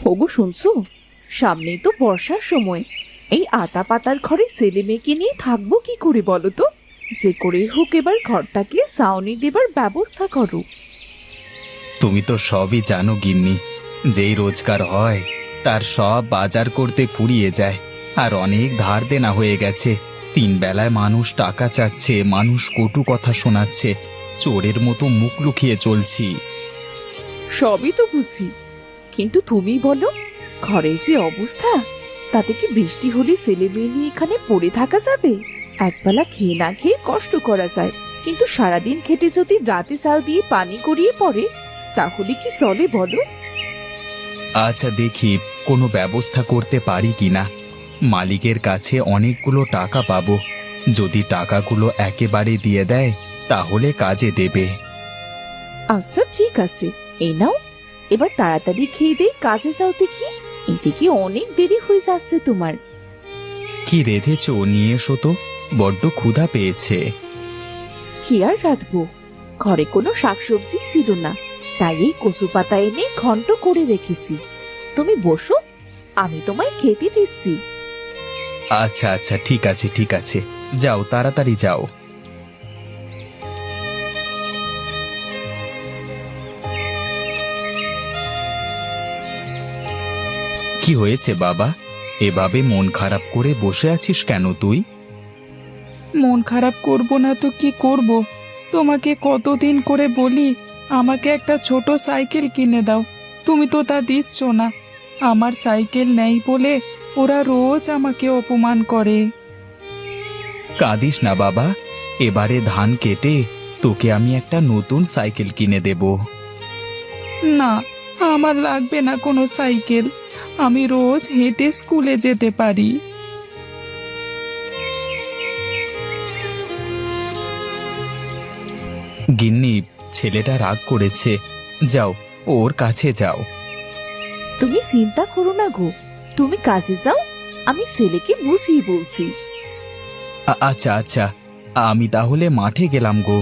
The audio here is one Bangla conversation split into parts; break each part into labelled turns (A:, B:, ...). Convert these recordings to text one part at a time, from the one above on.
A: ওগো শুনছো, সামনেই তো বর্ষার সময়। এই আতা পাতার ঘরে ছেলে মেয়েকে নিয়ে থাকবো কি করে বলো তো? যে করেই হোক এবার ঘরটাকে ছাউনি দেবার ব্যবস্থা করো।
B: তুমি তো সবই জানো গিন্নি, যেই রোজগার হয় তার সব বাজার করতে ফুরিয়ে যায়। আর অনেক ধার দেনা হয়ে গেছে। তিন বেলায় মানুষ টাকা চাচ্ছে, মানুষ কটু কথা শোনাচ্ছে, চোরের মতো মুখ লুকিয়ে চলছি।
A: সবই তো বুঝি, কিন্তু তুমি বলো, ঘরের যে অবস্থা, তাতে কি বৃষ্টি হলে ছেলে মেয়ে নিয়ে এখানে পড়ে থাকা যাবে? একবেলা খেয়ে না খেয়ে কষ্ট করা যায়, কিন্তু সারাদিন খেটে যদি রাতে চাল দিয়ে পানি গড়িয়ে পড়ে, তাহলে কি চলে বলো?
B: আচ্ছা দেখি কোনো ব্যবস্থা করতে পারি কিনা। মালিকের কাছে অনেকগুলো টাকা পাবো। যদি টাকাগুলো একেবারে দিয়ে দেয় তাহলে কাজে দেবে।
A: আচ্ছা ঠিক আছে, এই নাও, এবার তাড়াতাড়ি খেয়ে দিয়ে কাজে যাও দেখি। এদিকে অনেক দেরি হয়ে যাচ্ছে তোমার।
B: কি রেঁধেছো নিয়ে এসো তো, বড্ড ক্ষুধা পেয়েছে।
A: কি আর রাঁধবো, ঘরে কোনো শাকসবজি ছিল না, তাই এই কচু পাতা এনে ঘন্ট করে রেখেছি। তুমি বসো, আমি তোমায় খেতে দিচ্ছি।
B: আচ্ছা আচ্ছা ঠিক আছে ঠিক আছে, যাও তাড়াতাড়ি যাও। কি হয়েছে বাবা, এভাবে মন খারাপ করে বসে আছিস কেন তুই?
C: মন খারাপ করব না তো কি করব? তোমাকে কতদিন করে বলি আমাকে একটা ছোট সাইকেল কিনে দাও, তুমি তো তা দিচ্ছ না। আমার সাইকেল নেই বলে ওরা রোজ আমাকে অপমান করে।
B: কাঁদিস না বাবা, এবারে ধান কেটে তোকে আমি একটা নতুন সাইকেল কিনে দেব।
C: না, আমার লাগবে না কোনো সাইকেল, আমি রোজ হেঁটে স্কুলে যেতে পারি।
B: গিন্নি, ছেলেটা রাগ করেছে, যাও ওর কাছে যাও।
A: তুমি চিন্তা করো না গো, তুমি কাজে যাও, আমি ছেলেকে বুঝিয়ে বলছি।
B: আচ্ছা আচ্ছা, আমি তাহলে মাঠে গেলাম গো।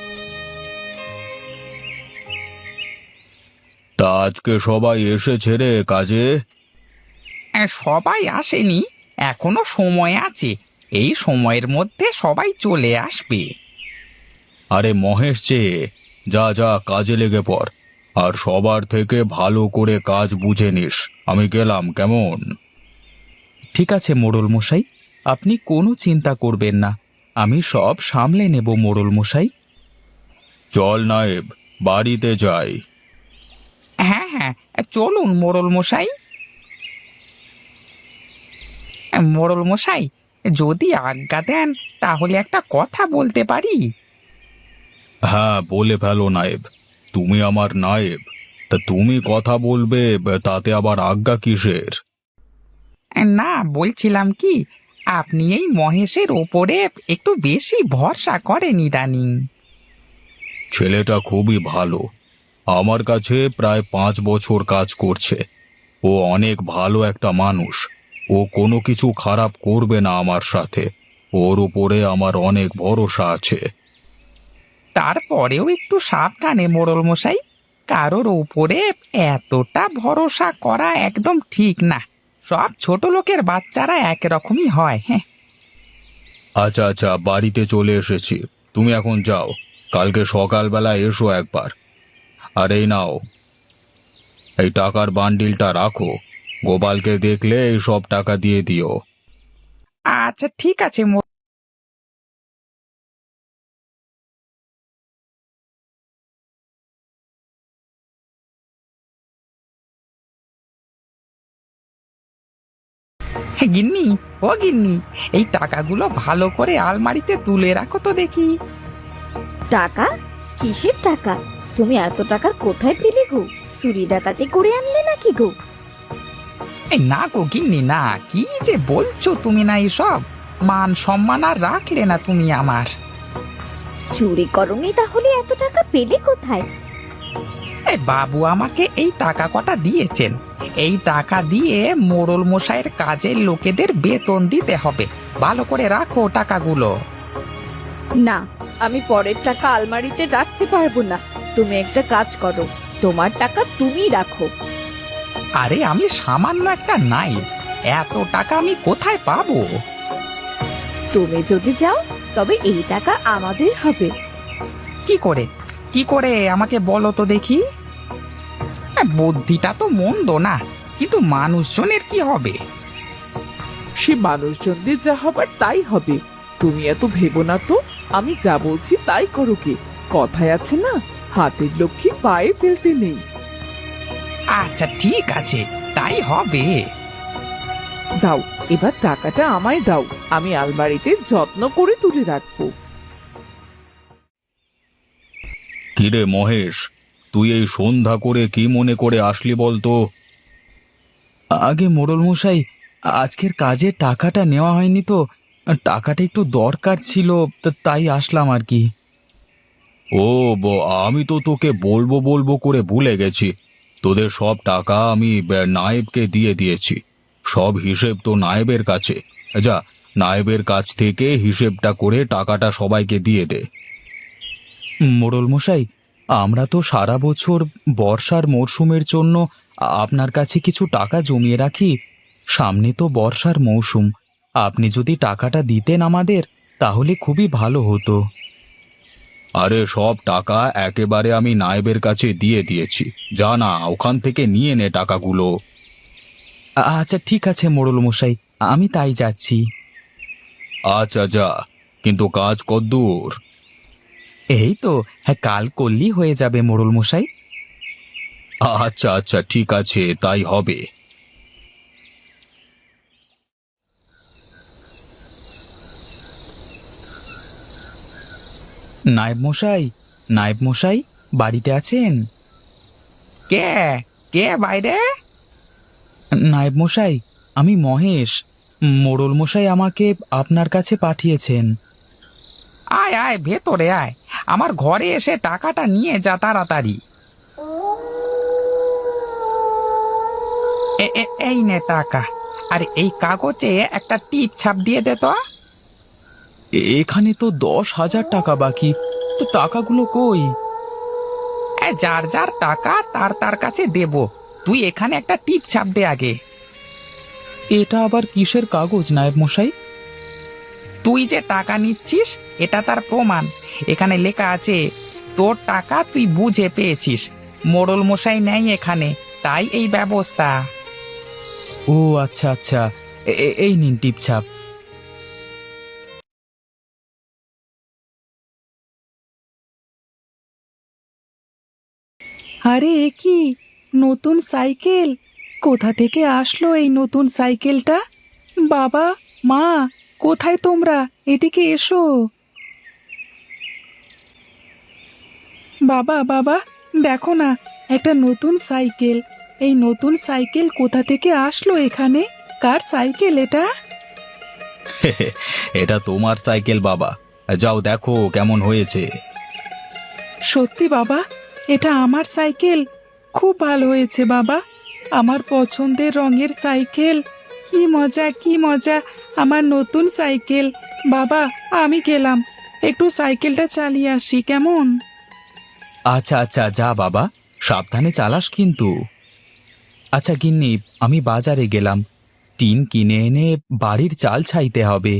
B: তা আজকে সবাই এসেছে রে কাজে?
D: সবাই আসেনি, এখনো সময় আছে। এই সময়ের মধ্যে সবাই চলে আসবে।
B: আরে মহেশ যে, যা যা কাজে লেগে পড়, আর সবার থেকে ভালো করে কাজ বুঝে নিস। আমি গেলাম কেমন? ঠিক আছে মোড়ল মশাই, আপনি কোনো চিন্তা করবেন না, আমি সব সামলে নেব মোড়ল মশাই। চল নায়েব, বাড়িতে যাই।
D: হ্যাঁ হ্যাঁ, চলুন মোড়ল মশাই। মোড়ল মশাই, যদি আজ্ঞা দেন তাহলে একটা কথা বলতে পারি?
B: হ্যাঁ বলে ফেলো নায়েব, তুমি আমার নায়েব, তা তুমি কথা বলবে, তাতে আবার আজ্ঞা কিসের?
D: না, বলছিলাম কি, আপনি এই মহেশের ওপরে একটু বেশি ভরসা করেন ইদানিং।
B: ছেলেটা খুবই ভালো, আমার কাছে প্রায় 5 বছর কাজ করছে। ও অনেক ভালো একটা মানুষ, ও কোনো কিছু খারাপ করবে না আমার সাথে। ওর উপরে আমার অনেক ভরসা আছে।
D: তারপরেও একটু সাবধানে মোড়ল মশাই, কারোর উপরে এতটা ভরসা করা একদম ঠিক না। সব ছোট লোকের বাচ্চারা একরকমই হয়। হ্যাঁ,
B: আচ্ছা আচ্ছা, বাড়িতে চলে এসেছি, তুমি এখন যাও, কালকে সকালবেলা এসো একবার। আর এই নাও, এই টাকার বান্ডিলটা রাখো, গোপালকে দেখলে এই সব টাকা দিয়ে দিও।
D: আচ্ছা ঠিক আছে। গিন্নি, ও গিন্নি, এই টাকাগুলো ভালো করে আলমারিতে তুলে রাখো তো দেখি।
E: টাকা? কিসের টাকা? তুমি এত টাকা কোথায় পেলে গো? চুরি ডাকাতি করে আনলে নাকি গো?
D: এই না গো গিন্নি, না, কি যে বলছো তুমি না, এসব মান সম্মান আর রাখলে না তুমি আমার।
E: চুরি করনি তাহলে এত টাকা পেলে কোথায়?
D: এই বাবু আমাকে এই টাকা কটা দিয়েছেন, এই টাকা দিয়ে মোড়ল মশাইয়ের কাজের লোকেদের বেতন দিতে হবে। ভালো করে রাখো টাকাগুলো।
A: না, আমি পরের টাকা আলমারিতে রাখতে পারবো না। তুমি একটা কাজ করো, তোমার টাকা তুমি রাখো।
D: আরে আমি সামান্য একটা নাই, এত টাকা আমি কোথায় পাবো?
A: তুমি যদি যাও তবে এই টাকা আমাদের হবে।
D: কি করে আমাকে বলো তো দেখি। বুদ্ধিটা তো মন্দ না, কিন্তু মানুষজনের কি হবে?
A: সে মানুষজনদের যা হবার তাই হবে। তুমি এত ভেবো না তো, আমি যা বলছি তাই করো কে। কথায় আছে না, হাতের লক্ষ্মী পায়ে ফেলতে নেই।
D: আচ্ছা ঠিক আছে, তাই হবে।
A: দাও, এবার টাকাটা আমায় দাও, আমি আলমারিতে যত্ন করে তুলে রাখবো।
B: কিরে মহেশ, তুই এই সন্ধ্যা করে কি মনে করে আসলি বলতো?
C: আগে মোড়ল মশাই, আজকের কাজের টাকাটা নেওয়া হয়নি তো, টাকাটা একটু দরকার ছিল, তাই আসলাম আর কি।
B: ও আমি তো তোকে বলবো বলবো করে ভুলে গেছি। তোদের সব টাকা আমি নায়েবকে দিয়ে দিয়েছি। সব হিসেব তো নায়েবের কাছে। যা, নায়েবের কাছ থেকে হিসেবটা করে টাকাটা সবাইকে দিয়ে দে।
C: মোড়ল মশাই, আমরা তো সারা বছর বর্ষার মরশুমের জন্য আপনার কাছে কিছু টাকা জমিয়ে রাখি। সামনে তো বর্ষার মৌসুম, আপনি যদি টাকাটা দিতেন আমাদের, তাহলে খুবই ভালো হতো।
B: আরে সব টাকা একেবারে আমি নায়েবের কাছে দিয়ে দিয়েছি। যা না, ওখান থেকে নিয়ে নে টাকাগুলো।
C: আচ্ছা ঠিক আছে মোড়ল মশাই, আমি তাই যাচ্ছি।
B: আচ্ছা যা, কিন্তু কাজ কদ্দূর?
C: এই তো, হ্যাঁ, কাল করলেই হয়ে যাবে মোড়ল মশাই।
B: আচ্ছা আচ্ছা ঠিক আছে, তাই হবে।
C: নায়েব মশাই, নায়েব মশাই, বাড়িতে আছেন?
D: কে কে বাইরে?
C: নায়েব মশাই, আমি মহেশ। মোড়ল মশাই আমাকে আপনার কাছে পাঠিয়েছেন।
D: আয় আয়, ভেতরে আয়, আমার ঘরে এসে টাকাটা নিয়ে যা তাড়াতাড়ি। এই নে টাকা, আর এই কাগজে একটা টিপ ছাপ দিয়ে দে তো।
C: এখানে তো 10,000 টাকা বাকি, তো টাকাগুলো কই?
D: যার যার টাকা তার তার কাছে দেব, তুই এখানে একটা টিপ ছাপ দে আগে।
C: এটা আবার কিসের কাগজ নায়েব মশাই?
D: তুই যে টাকা নিচ্ছিস এটা তার প্রমাণ। এখানে লেখা আছে তোর টাকা তুই বুঝে পেয়েছিস, মোড়ল মশাই নেই এখানে, তাই এই ব্যবস্থা।
C: ও আচ্ছা আচ্ছা, এই নিন টিপছাপ। আরে এ কি নতুন সাইকেল? কোথা থেকে আসলো এই নতুন সাইকেলটা? বাবা, মা, কোথায় তোমরা? এদিকে এসো। বাবা বাবা, দেখো না, একটা নতুন সাইকেল। এই নতুন সাইকেল কোথা থেকে আসলো এখানে? কার সাইকেল এটা?
B: এটা তোমার সাইকেল বাবা, যাও দেখো কেমন হয়েছে।
C: সত্যি বাবা, এটা আমার সাইকেল? খুব ভালো হয়েছে বাবা, আমার পছন্দের রঙের সাইকেল। কি মজা কি মজা, আমার নতুন সাইকেল। বাবা, আমি গেলাম, একটু সাইকেলটা চালিয়ে আসি কেমন? আচ্ছা আচ্ছা, যা বাবা, সাবধানে চালাস কিন্তু। আচ্ছা গিন্নি, আমি বাজারে গেলাম, টিন কিনে এনে বাড়ির চাল ছাইতে হবে।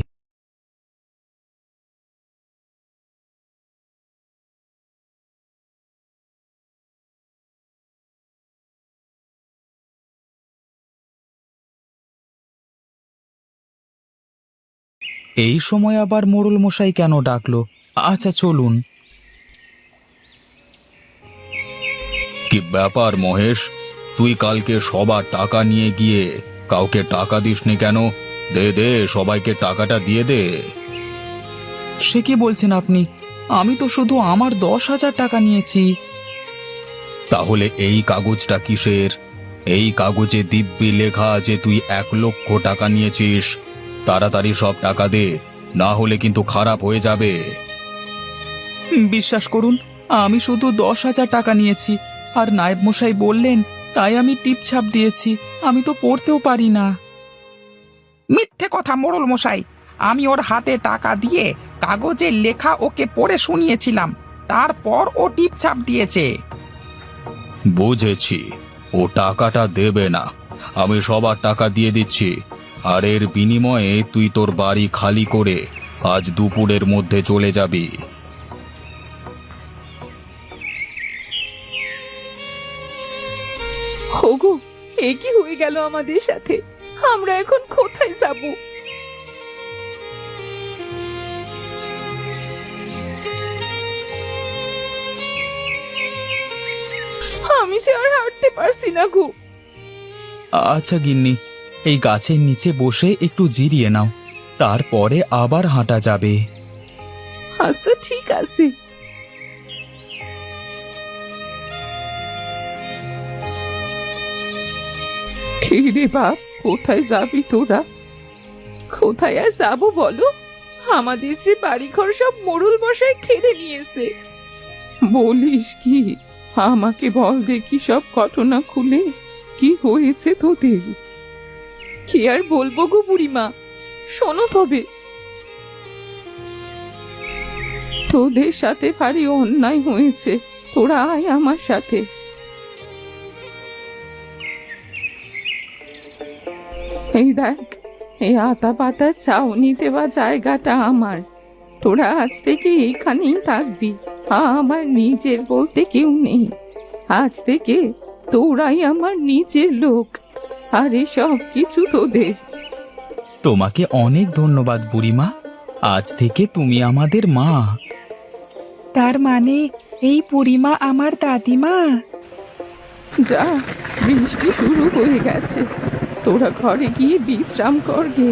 C: এই সময় আবার মোড়ল মশাই কেন ডাকলো? আচ্ছা চলুন।
B: কি ব্যাপার মহেশ, তুই কালকে সবার টাকা নিয়ে গিয়ে কাউকে টাকা দিসনি কেন? দে দে, সবাইকে টাকাটা দিয়ে দে।
C: সে কি বলছেন আপনি? আমি তো শুধু আমার 10,000 টাকা নিয়েছি।
B: তাহলে এই কাগজটা কিসের? এই কাগজে দিব্যি লেখা আছে তুই 1,00,000 টাকা নিয়েছিস। তাড়াতাড়ি সব টাকা দে, না হলে কিন্তু খারাপ হয়ে যাবে।
C: বিশ্বাস করুন, আমি শুধু 10,000 টাকা নিয়েছি, আর নায়েব মশাই বললেন তাই আমি টিপছাপ দিয়েছি। আমি তো পড়তেও পারি না।
D: মিথ্যে কথা মোড়ল মশাই, আমি ওর হাতে টাকা দিয়ে কাগজে লেখা ওকে পড়ে শুনিয়েছিলাম, তারপর ও টিপ ছাপ দিয়েছে।
B: বুঝেছি, ও টাকাটা দেবে না। আমি সবার টাকা দিয়ে দিচ্ছি, আর এর বিনিময়ে তুই তোর বাড়ি খালি করে আজ দুপুরের মধ্যে চলে যাবি।
A: ওগো, এ কি হয়ে গেল আমাদের সাথে? আমরা এখন কোথায় যাব? আমি সে আর হাঁটতে পারছি না গো।
C: আচ্ছা গিন্নি, এই গাছের নিচে বসে একটু জিরিয়ে নাও, তারপরে আবার হাঁটা যাবে।
A: আচ্ছা ঠিক আছে। কি রে বাপ, কোথায় যাবি তোরা? কোথায় আর যাবো বলো? আমাদের যে বাড়িঘর সব মোড়ল মশাই খেলে নিয়েছে। বলিস কি? আমাকে বল দেখি সব ঘটনা খুলে, কি হয়েছে তোদের? কি আর বলবো গো বুড়িমা, শোনো তবে। তোদের সাথে ভারী অন্যায় হয়েছে, তোরা আয় আমার সাথে। এই দেখ, এই আতা পাতার ছাউনি দেওয়া জায়গাটা আমার। তোরা আজ থেকে এইখানেই থাকবি। আমার নিজের বলতে কেউ নেই। আজ থেকে তোরাই আমার নিজের লোক, আর সব কিছু তোদের।
C: তোমাকে অনেক ধন্যবাদ বুড়িমা, আজ থেকে তুমি আমাদের মা। তার মানে এই বুড়িমা আমার দাদিমা?
A: যা, বৃষ্টি শুরু হয়ে গেছে, তোরা ঘরে গিয়ে বিশ্রাম কর গে।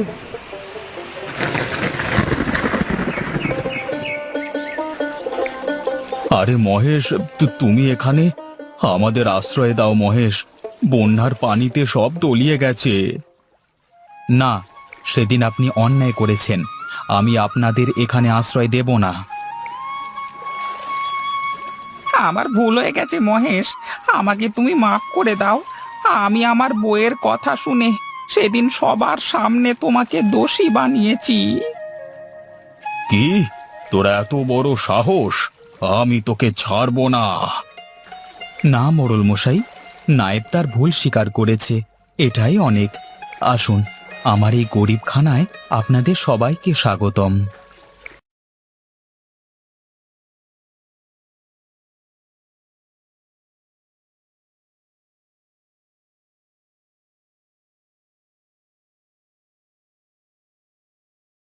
B: আরে মহেশ, তুমি এখানে? আমাদের আশ্রয় দাও মহেশ, বন্যার পানিতে সব তলিয়ে গেছে।
C: না, সেদিন আপনি অন্যায় করেছেন, আমি আপনাদের এখানে আশ্রয় দেব না।
D: আমার ভুল হয়ে গেছে মহেশ, আমাকে তুমি মাফ করে দাও। আমি আমার বউয়ের কথা শুনে সেদিন সবার সামনে তোমাকে দোষী বানিয়েছি।
B: কি, তোরা এত বড় সাহস? আমি তোকে ছাড়বো না।
C: না মোড়ল মশাই, নায়েব তার ভুল স্বীকার করেছে, এটাই অনেক। আসুন, আমার এই গরিবখানায় আপনাদের সবাইকে স্বাগতম।